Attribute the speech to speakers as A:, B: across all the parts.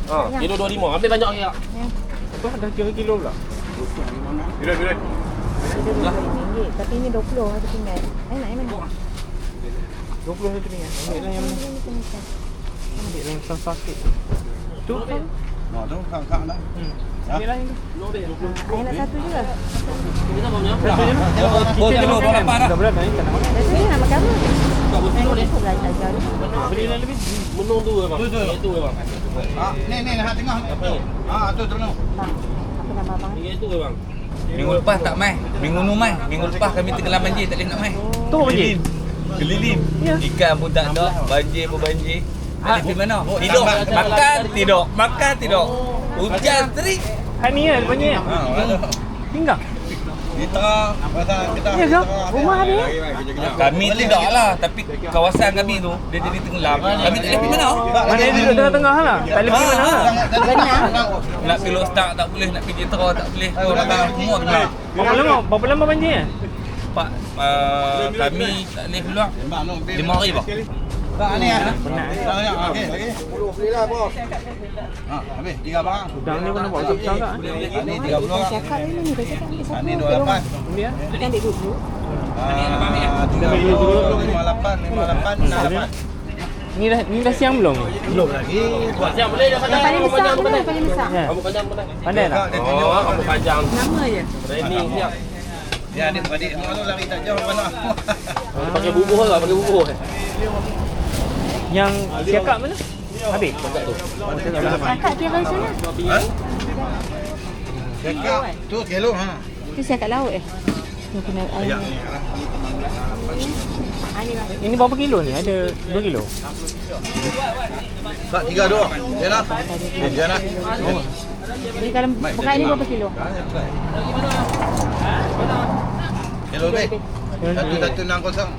A: Kilo 25. Ambil banyak lagi tak?
B: Apa dah kira kilo pula?
C: Bila.
D: RM20. Tapi ini 20 satu pinggan. Nak yang mana?
B: 20 satu pinggan. Ambil lah yang mana? Ambil lah yang besar sikit. Tu kan?
C: Tu kak lah.
B: Ambil lah yang tu.
D: Ayah nak satu juga.
A: Kita apa punya?
B: Satu je lah. Kita je makan kan? Dah berat dah ni tak nak makan.
D: Satu je nak makan apa?
A: Tak boleh kilo ni.
D: Aku belajar ni.
B: Beli lah lebih.
A: Menung tu bang. Itu bang.
C: Ni hak tengah ni. Tu terus.
D: Bang, apa nama abang?
A: Ini itu bang.
E: Minggu lepas tak mai. Minggu nu mai. Minggu lepas kami tenggelam banjir tak boleh nak mai.
B: Tu apa je?
E: Keliling.
B: Ya.
E: Ikan pun tak ada, banjir pun banjir. Pergi mana? Tidur. Makan tidur. Makan tidur. Hujan terik.
B: Hai ni lah banyak. Tinggal.
C: Kita
B: Ya ke? Rumah ada ya?
E: Kami tidak lah, tapi kawasan kami tu dia jadi tenggelam. Kami tak boleh pergi mana?
B: Mana dia duduk tengah-tengah lah. Tak boleh pergi mana lah.
E: Nak pergi Lostak tak boleh, nak pergi Jentera tak boleh. Orang semua tenggelam.
B: Berapa lama banjir?
E: Pak kami tak boleh keluar 5 hari bah.
C: tak ni ah.
B: Penat.
C: Okey, lagi. 10 belilah bos. Habis 3 barang.
B: Udang ni pun nampak besar tak?
C: Ni 30 orang.
D: Cakap ni ni, dah cakap ni satu.
C: Ni 28.
B: Ambil lah.
D: Kita ambil dulu.
C: 58, 58, 68.
B: Ni dah siang belum?
C: Belum lagi.
A: Buat siang boleh dah
D: Yang paling besar mana? Paling besar.
B: Ya.
A: Rambut panjang boleh.
B: Pandai tak?
A: Oh, rambut panjang.
D: Nama je.
A: Training siap.
C: Ya, adik-adik semua tu lari tak jauh mana.
A: Pakai bubuh lah, pakai bubuh.
B: Yang siakak mana? Habis?
D: Kakak kira sana.
C: Cakap tu kelo ha.
D: Tu siap kat laut Ni kena air. Ni lah.
B: Ini berapa kilo ni? Ada 2 kilo?
C: Tak 3 dua. Jalan. Jalan.
D: Ni kalau bukan ni berapa kilo?
C: Kelo be. Satu nang kosong.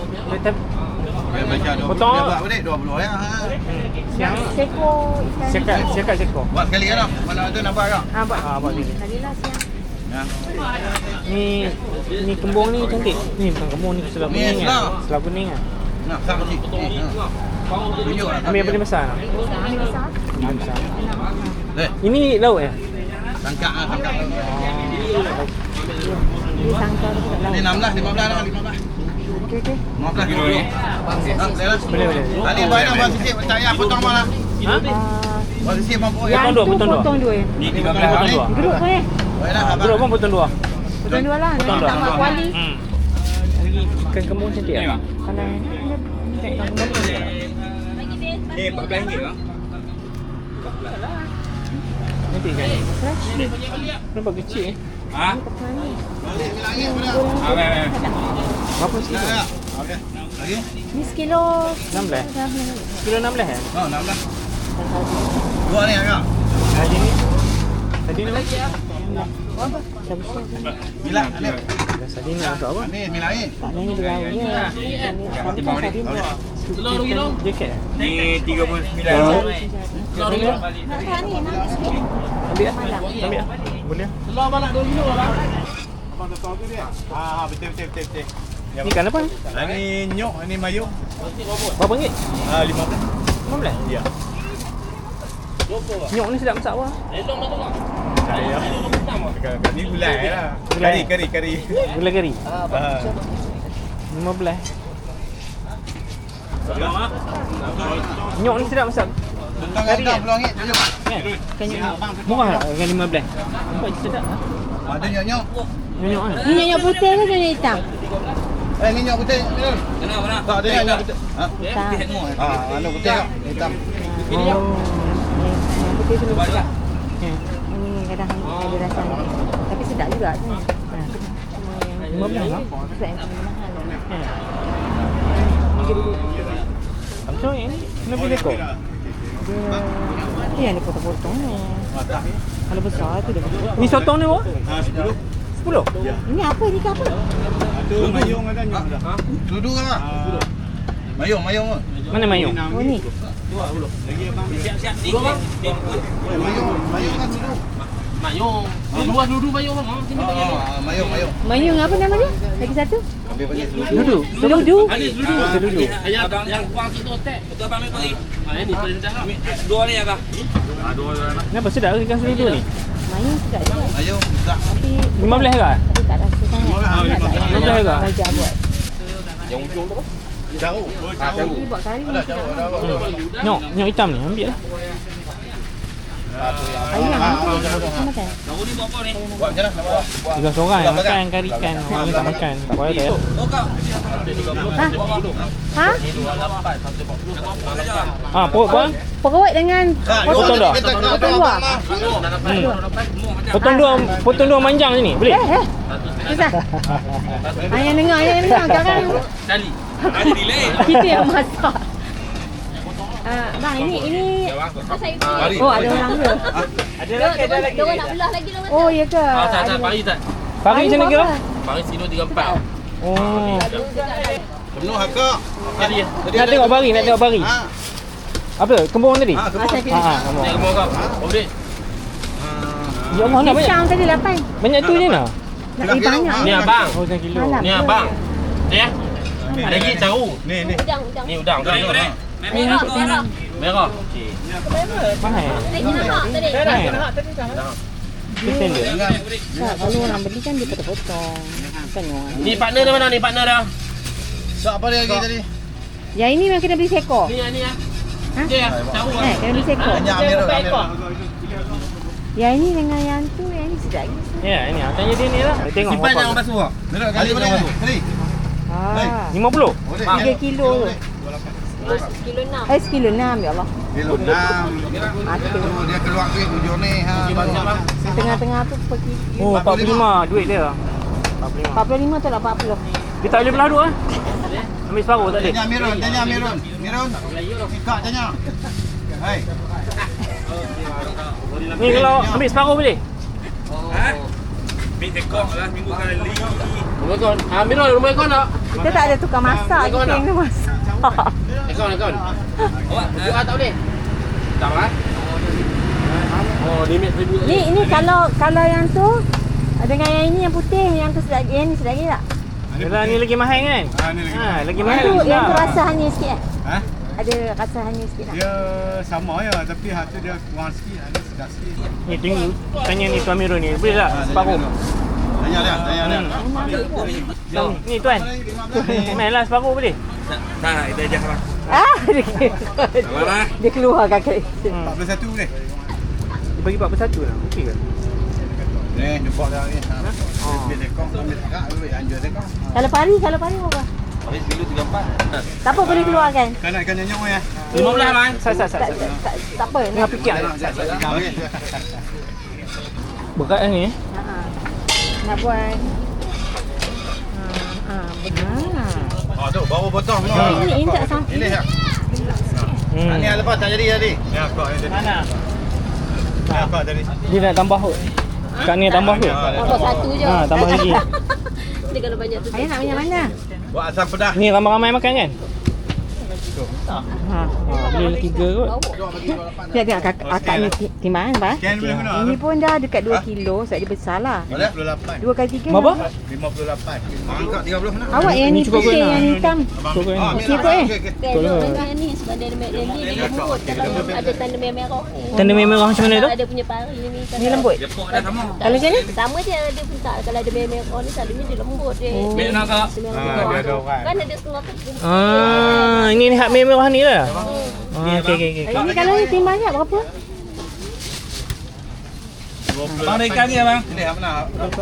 B: Potong.
C: Dia buat berapa 20 ya.
B: Siang.
D: Seko ikan.
B: Siakak seko.
C: Buat sekali kan? Mana tu nampak tak?
D: Buat.
B: Buat ni.
D: Kalilah siang.
C: Ya.
B: Ni kembung ni cantik. Ni bukan kembung ni selah
C: Ni
B: kuning
C: selah.
B: kan? Selah kuning kan?
C: Nak sama sikit. Tunjuk lah.
B: Ambil yang paling besar.
D: Ni besar.
B: Besar.
C: Eh,
B: Ini laut ya?
C: tangkap ah, tangkap.
D: Ni sangkar tu kat
C: Ni
D: laut.
C: 16, 15 dah, 15.
D: Okey okey.
C: 15 kilo ni.
B: Boleh.
C: Ali bayar buat sikit, tak payah potong malah.
B: Ha?
C: Buat sikit mampu ya.
D: Yang
B: Potong dua,
D: tu
B: potong dua.
D: potong dua.
C: Ni
B: Potong
C: 13
B: dua.
C: ni.
D: Geruk tu ni.
C: Baiklah,
B: Bro pun potong 2.
D: Potong dua lah.
B: Potong
D: Nak
B: dua.
D: tambah kuali.
B: Lagi ikan kembung cantik tak?
D: Kalau ni
E: Eh, RM14 lah.
B: Cantik kan?
D: fresh ni.
B: Nampak kecil eh?
E: Ha?
C: Balik lagi pada.
B: Berapa sekilo?
C: Ya. Okey. Lagi?
D: Ni sekilo
B: 16. Sekilo 16 eh?
C: Oh, 16. Dua ni agak.
B: Tadi ni? Tadi ni lagi ya?
C: Bila ni.
B: Tadi ni untuk apa?
C: Ni milai.
D: Tak ni berlalu je. Tadi pun tadi pun.
A: Telur kilo.
B: Jaket eh?
E: Ni 39.
A: Telur kilo.
D: Nak tak ni, nak sikit.
B: Ambil lah. Ambil lah. Boleh lah.
A: Telur balak 2 kilo lah.
C: Abang tahu tu dia. Betul.
B: Ni ikan apa ni?
C: Ini nyok, ini mayu.
B: Berapa ringgit?
C: 15.
B: 15?
C: Ya.
B: Nyok ni sedap masak apa?
A: Elong dah tu tak?
C: Saya. Ni gulai lah.
B: Gulai.
C: Kari.
B: Gula kari?
C: Ah.
B: 15. Nyok ni sedap masak.
C: Tentang
B: Kari
C: dah
B: kan?
C: peluang ni tunjuk.
B: Kan? Murah tak dengan 15? Nampak sedap.
C: Ada nyok.
B: Nyok kan?
D: Ni nyonya putih ke nyonya hitam?
C: Ni nyok putih.
E: Mana?
C: Tak ada nyok putih. Ha?
D: Hitam.
C: Anu putih kak. Hitam.
B: Oh.
D: Yang putih tu lebih sedap.
B: Ya.
D: Ini kadang ada rasa ni. Tapi sedap juga tu. Cuma yang
B: 15 lah?
D: sedap yang paling mahal.
B: Ya.
D: Ni dia dulu.
B: Macam yang ni? Kena beli ekor?
D: Dia yang dia potong-potong ni. Kalau besar tu dia potong.
B: Ni sotong ni berapa? 10?
D: Ini apa? Ni ke apa?
C: Mayung ada nyok dah. Duduk lah. Mayung.
B: Mana mayung?
D: Oh ni.
E: Siap.
C: Mayung kan duduk.
A: Mayung. Dua mayung bang. Sini bagi ni.
C: Mayung.
D: Mayung apa nama dia? Lagi satu?
C: Ambil bagi
B: Dudu.
D: Seludu.
A: Ini dulu. Yang kuang situ otak. Betul abang ambil kali. Ini perintah lah.
E: Dua ni abang.
B: Kenapa sedap ke ikan seludu ni?
D: Mayung sedap juga.
C: Mayung tak.
D: Tapi
B: 15 juga?
D: tapi tak rasa sangat. Ingat tak?
B: 15 juga?
D: Raja buat.
C: Jauh.
D: Dia buat kari ni sedap.
B: Nyok hitam ni, ambil lah.
D: Ayam apa dia makan?
E: Tahu ni buat apa ni?
C: Buat je lah.
B: Tiga seorang yang makan kari ikan. Orang ni tak makan. Tak payah tak ya.
E: Oh kau.
D: Ha?
B: Ah, perut bang.
D: Perut dengan
B: Potong dah.
D: potong luar.
B: Potong dua manjang sini. Boleh?
D: Susah. Ayah dengar sekarang.
A: Kali.
E: Ada delay.
D: Kita yang masak. Bang, ini oh, ada orang ke?
F: Ada lagi. Dia nak belah lagi lah.
D: Oh, ya ke?
A: Tak pari tak.
B: Pagi macam mana kira?
A: Pari kilo 34.
B: Oh.
C: Penuh hakak.
B: Nak tengok bari, Apa? Kembung tadi?
C: Kebun.
B: Kembung.
A: Ni kemau kau. Boleh.
B: Ya Allah, nak banyak.
D: Pisang tadi 8.
B: Banyak tu je nak.
D: Nak banyak.
A: Ni abang.
B: Oh, 1 kilo.
D: Malam.
A: Ni abang. Ni ya. Ada lagi tahu.
C: Ni.
F: Udang.
A: Ni udang.
F: Merah.
A: Merah.
B: Mahal.
F: Saya nak tadi.
B: Mahal. Pesen dia.
D: Kalau orang beli kan dia potong-potong. Kan orang.
A: Ni partner dia mana ni partner dah?
C: Siapa dia lagi tadi?
D: Yang ini memang kena beli seekor.
A: Ni ya.
D: Ha?
A: Dia ya. Tahu ah.
D: Kena beli seekor.
C: Tanya Amirul.
D: Yang ini dengan yang tu, yang ini sedap lagi.
B: Ya, ini tanya dia ni lah. Tengok
A: Simpan
B: berapa.
A: jangan basuh.
C: Amirul kali boleh ni? Kali.
B: 50.
D: 3 kilo.
F: 1.6
D: kilo 6, ya Allah.
C: Kilo 6. Dia keluar duit hujung ni.
D: Tengah-tengah tu pergi.
B: Oh, 45 duit dia.
D: 45 tu lah 40.
B: Dia tak boleh belah dua. Ambil separuh tak boleh.
C: Tanya Amirul. Mirun. Kak tanya. Hai.
B: Ni kalau ambil separuh boleh?
E: Ha? Ambil tekok lah minggu kali.
A: Rumah kau. Amirul rumah kau nak?
D: Kita tak ada tukang masak, kita yang kena masak.
A: Kau.
E: Awak
A: Tak boleh. Tak lah. Oh, limit 1000.
D: Ni kalau yang tu dengan yang ini yang putih, yang tu sedap, yang ni sedap lagi tak?
B: Yalah ni lagi mahal kan?
C: Ni lagi.
B: Lagi mahal.
D: Yang tu rasa hanyut sikit kan?
C: Ha?
D: Ada rasa hanyut sikit tak?
C: Dia sama ya, tapi hak tu dia kurang sikit, ada sedap sikit.
B: Ni tengok tanya ni Tuan Mirul ni. Boleh tak separuh?
C: Tanya dia.
B: Ni tuan. Mainlah separuh boleh?
E: tak kita ajar lah.
D: Dia keluarkan kereta.
C: 41 boleh?
B: Dia bagi 41 lah. Okey ke?
C: Ni jumpa dah ni. Ambil tekong, ambil agak duit anjur tekong.
D: Kalau pari berapa?
E: Habis kilo 34.
D: Tak apa boleh keluarkan.
C: Kan nak ikan nyanyong ya.
A: 15 bang.
B: Sat.
D: Tak apa.
B: Tengah fikir. Berat lah ni eh.
D: Nak buat.
C: Tu baru potong.
D: Ini tak sampai.
C: Ini ya. Ni lepas tak jadi tadi. Ya, kau ni tadi.
B: Mana?
C: Ya, kau tadi.
B: Dia nak tambah kot. Kat ni tambah kot.
F: Buat satu je.
B: Tambah lagi.
F: Dia kalau banyak tu.
D: Ayah nak banyak mana?
C: Buat asam pedas.
B: Ni ramai-ramai makan kan? Boleh 3 kot.
D: Dia tengok akak ni timbangan apa?
C: Ken boleh guna.
D: Ini pun dah dekat 2 kilo, sebab dia besar lah.
C: 58.
D: 2 kali 3.
B: Berapa?
C: 58. Angkat 30 mana?
D: Awak yang ni
B: cukup
D: putih,
B: kot
D: yang
B: nak.
D: ni hitam.
B: Cukup kot ni.
D: Okey kot eh?
F: Dengan ni sebab dia lembut. Kalau ada tanda merah.
B: Tanda merah macam mana tu?
F: Ada punya pari ni.
D: Ni lembut.
E: Jepuk dah sama.
D: Kalau macam ni?
F: Sama je dia pun tak. Kalau ada merah ni selalunya dia lembut dia.
E: Ambil nak kak.
C: Dia ada orang.
F: Kan ada setengah tu.
B: Ini hak merah ni lah. Okey.
D: Ini kalau ni timbangnya berapa?
E: Bang ikan ni abang.
C: Ini apa nak?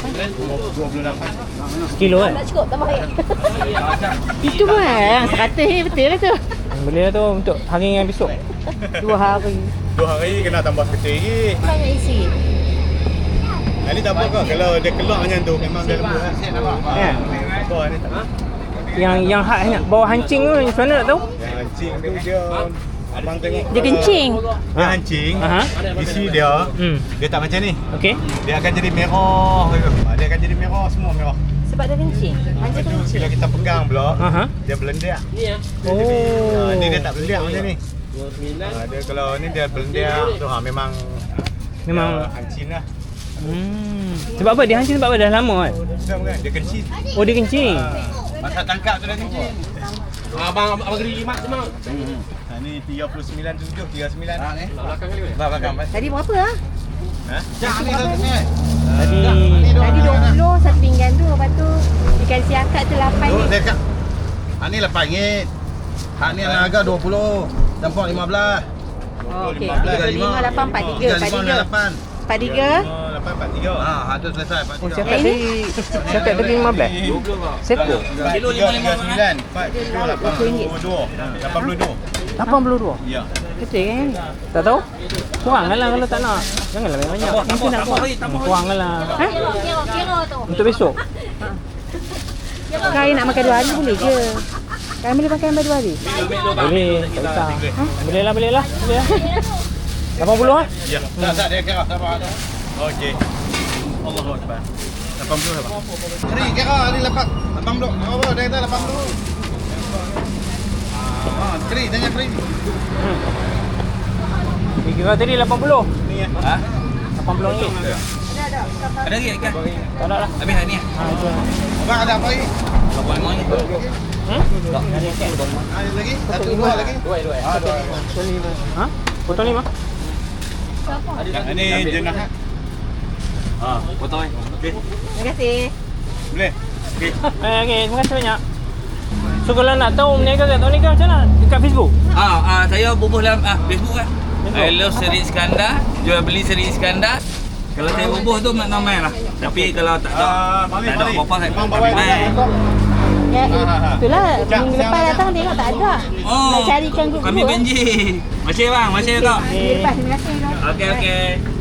C: 28.
B: Sekilo kan?
F: Tak cukup tambah air.
D: Itu pun yang 100 ni betul lah tu.
B: Boleh lah tu untuk hari yang besok.
D: 2 hari.
C: 2 hari kena tambah kecil lagi.
F: Banyak isi.
C: Ini tak apa kau. Kalau dia keluar macam tu memang dia lembut kan.
B: Ya.
C: Bawah ni tak.
B: Yang hak bawa hancing tu macam mana tak tahu?
C: Yang hancing tu dia abang tengok.
D: Dia kencing.
C: Dia hancing.
B: Aha.
C: Isi dia dia tak macam ni.
B: Okey.
C: Dia akan jadi merah. Dia akan jadi merah, semua merah.
D: Sebab dia kencing.
C: Lepas tu bila kita pegang pula,
B: Aha.
C: dia belendak.
A: Ni ya.
B: Oh.
C: Ni dia tak belendak macam ni.
A: 29.
C: Dia kalau ni dia belendak tu memang
B: Memang
C: hancing lah.
B: Sebab apa? Dia hancur sebab apa? Dah lama kan?
C: Bukan, dia kencing.
B: Oh, dia kencing.
C: Masa tangkap tu dah kencing.
A: Abang geri mak semua.
C: Ni 39.7, 39. Ni.
A: Belakang kali.
C: Belakang.
D: Tadi berapa ah?
C: Ha? Jangan ni satu ni.
B: Tadi
D: Tadi 20 satu pinggan tu. Lepas tu ikan siakat tu 8
C: Tu
D: ni.
C: dia kat. Ni RM8. Hak ni harga 20. Tempok 15.
D: Oh, okey.
C: 35,
D: 35, 8, 43. 43.
C: 843. Hak tu selesai.
B: oh, siakat tadi 15. Seko.
E: Kilo 55.
C: 82.
B: 82.
C: Ya.
B: Kecil kan? Tak tahu? Kurang lah kalau tak nak. Janganlah banyak-banyak.
E: Tambah lagi.
B: Kurang lah.
D: Ha?
F: Kira tu.
B: Untuk besok.
D: Kau nak makan 2 hari boleh ke? Kau boleh makan 2 hari?
B: Boleh. Tak kisah. Boleh lah. Boleh lah. 80 lah.
C: Ya. Tak dia kira tak apa. Okey. Allahu akbar. 80 apa? Keri kira ni 80. Apa dia kata 80. Keri tanya keri.
B: Dia kira tadi 80.
C: Ni ya.
E: Ha?
B: 80 ringgit.
E: Ada lagi ikan?
B: Tak ada lah.
E: Habis ni.
B: Ha, itu lah.
C: Abang ada apa lagi?
E: 85 ni.
B: Tak, ada ikan.
C: Ada lagi? Satu dua lagi? Dua.
B: Ha? Potong 5.
C: Ini jenah.
E: Potong ni. Okey.
D: Terima kasih.
C: Boleh?
B: Okey, terima kasih banyak. So kalau nak tahu meniaga kat tahun ni kan macam mana? Dekat Facebook?
E: Saya bubuh dalam Facebook kan. I love Seri Iskandar. Jual beli Seri Iskandar. Kalau saya bubuh tu main lah. Tapi kalau tak ada apa-apa saya main.
D: Ya, itulah minggu lepas datang tengok tak ada. Nak carikan grup.
E: Kami benji. Masih bang, masih kau.
D: Minggu lepas terima kasih.
E: Okey.